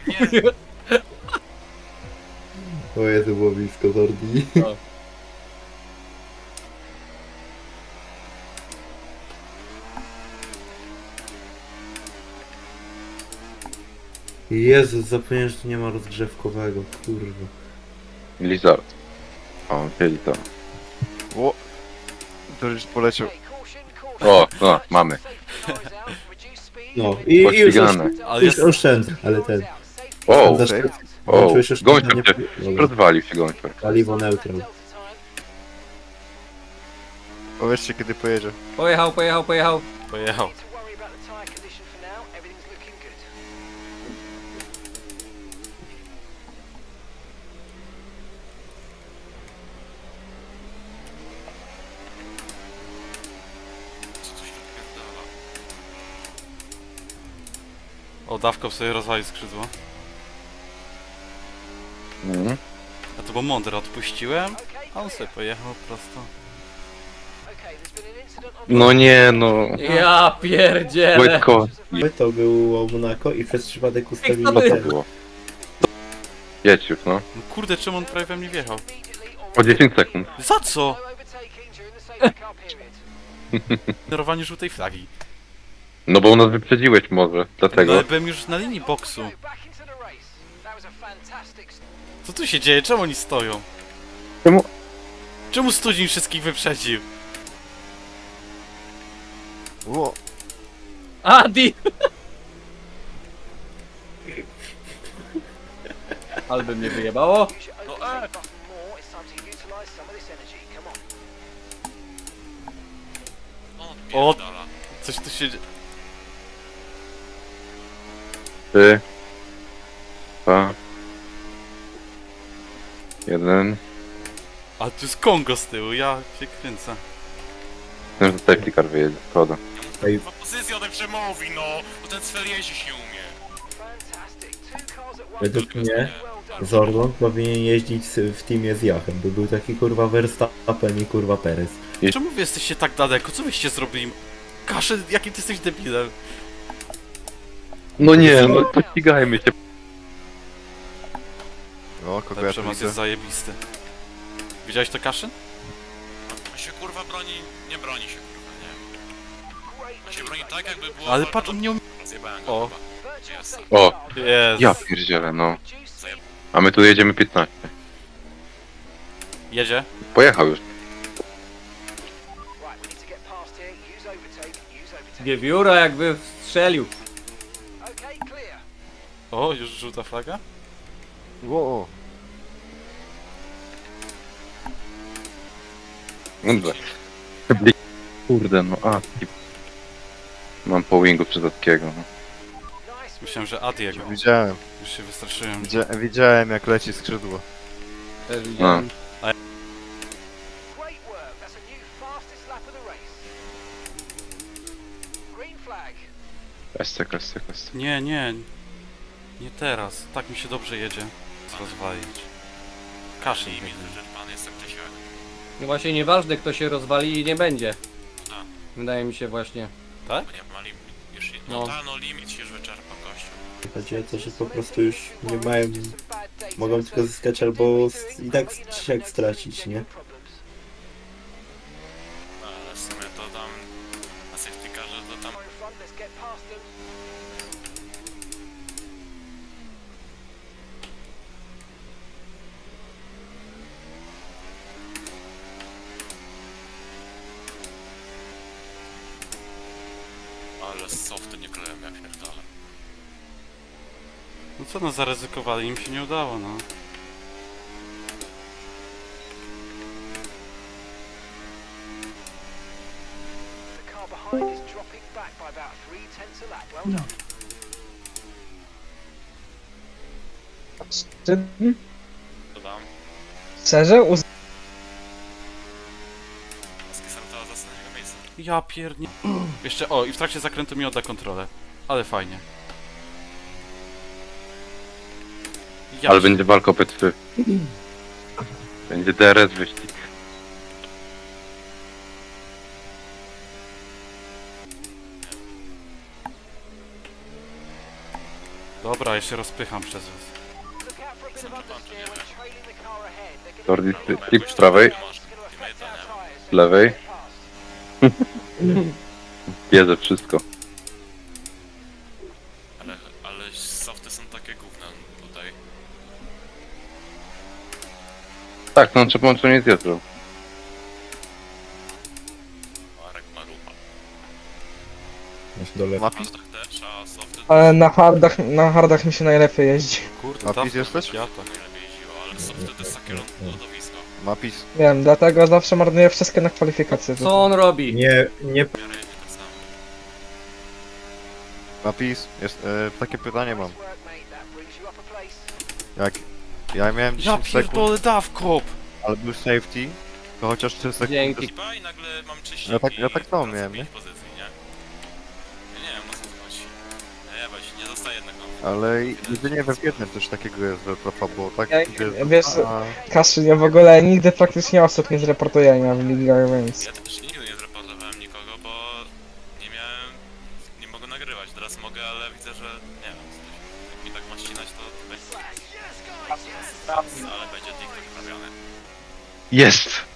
Nie, O Jezu, było blisko Zordi. No. Jezus, zapomniałem, że tu nie ma rozgrzewkowego, kurwa. Lizard. O, siedzi tam. O! To już poleciał. O, no, mamy. No, i już, Pościgane. Ale już jest... oszczędzę, ale ten. O, Zaszczędzę. o, Włączyłeś oszczędzanie. gończek się Dobra. rozwalił się gończek. Paliwo neutral. Powiedzcie kiedy pojedzie. Pojechał, pojechał, pojechał. pojechał. Co tu się odpierdala? O, dawką sobie rozwalił skrzydło. Mhm. A to był mądry, odpuściłem, a on sobie pojechał prosto. No nie, no. Ja pierdzielę. Wojtko. To było Monaco i przez przypadek ustawili Co Co to ten. było? Jedź już, no. No kurde, czemu on prawie we mnie wjechał? O 10 sekund. Za co? Ignorowanie żółtej flagi. No bo nas wyprzedziłeś może, No dlatego. ale byłem już na linii boksu. Co tu się dzieje? Czemu oni stoją? Czemu? Czemu Studzień wszystkich wyprzedził? O! Adi! Albo mnie wyjebało. O, coś tu się dzieje. 3, 2, 1. A tu jest Kongo z tyłu, ja się kręcę. Myślę, że safety car wyjedzie, szkoda. Ej, Pozycję ode przemówi, no, bo ten Sfer jeździć nie umie. według mnie Zordon powinien jeździć w teamie z Jachem, bo był taki kurwa Verstappen i kurwa Perez. Czemu wy jesteście tak daleko? Co wyście zrobili? Kaszę, jakim ty jesteś debilem? No nie, no pościgajmy się. O, kogo Ten ja tu przemoc widzę? jest zajebisty. Widziałeś to, Kaszyn? On się kurwa broni, nie broni się kurwa, nie. On się broni tak jakby było... Ale patrz, on nie umie... Zjebałem go O. chyba. Jest. O, Jest. ja pierdzielę, no. A my tu jedziemy 15. Jedzie? Pojechał już. Wiewióra jakby strzelił. O, już żółta flaga? O! Dobrze. Kurde, no a. Mam po wingu przydatkiego, no. Myślałem, że Adiego. Widziałem. Już się wystraszyłem. Widziałem jak leci skrzydło. Też widziałem. Kastek, kastek, kastek. Nie, nie. Nie teraz. Tak mi się dobrze jedzie. Rozwalić. Kaszyn. I widzę, że pan jest tak czy siak. No właśnie nieważne kto się rozwali i nie będzie. Tak. Wydaje mi się właśnie. Tak? Bo nie ma limit. Już, No. no, ta, no limit się już wyczerpał, gościu. Chodzi o to, że po prostu już nie mają... Mogą tylko zyskać albo i tak czy siak stracić, nie? No, ale w sumie to tam... Na safety carze to tam... Ale softy nie kleją jak pierdolę. No co no, zaryzykowali, im się nie udało, no. To tam? Szczerze? Skisartała z ostatniego miejsca. Ja piernie... Jeszcze, o, i w trakcie zakrętu mi odda kontrolę. Ale fajnie. Ja Ale się- będzie walka o P3. Będzie DRS wyścig. Dobra. Dobra, ja się rozpycham przez was. Jordi, tip z prawej, z lewej. Bierze wszystko. Ale softy są takie gówna tutaj. Tak, no trzeba połączenie z Jotrą. Marek Marupa. Masz dole. Mapis? Tak też, a softy Ale na hardach mi się najlepiej jeździ. Kurde, Napis dawno jesteś? ja tak. najlepiej jeździło, ale softy to jest takie lodowisko. Mapis. Wiem, dlatego zawsze marnuję wszystkie na kwalifikacje. Co on robi? Nie W miarę jedzie tak samo. Mapis. Jest, takie pytanie mam. Jak ja miałem Ja 10 sekund, pierdolę dawkop! ale był safety, to chociaż 3 sekundy. Dzięki. Chyba i nagle mam czyściki. Ja tak samo i miałem, pięć nie? pozycji, nie? Ja nie wiem, no co to chodzi. Nie, weź, nie dostaję jednego. Ale jedynie we jednym coś takiego jest, że trochę było tak? Ja- gdzie- wiesz, Kaszy, ja w ogóle nigdy praktycznie osób nie zreportuję w ligach, więc... Ja też nigdy nie zreportowałem nikogo, bo nie miałem... nie mogę nagrywać. Teraz mogę, ale widzę, że nie wiem, jak mi tak ma ścinać, to będzie... Ale będzie TikTok robiony. Jest!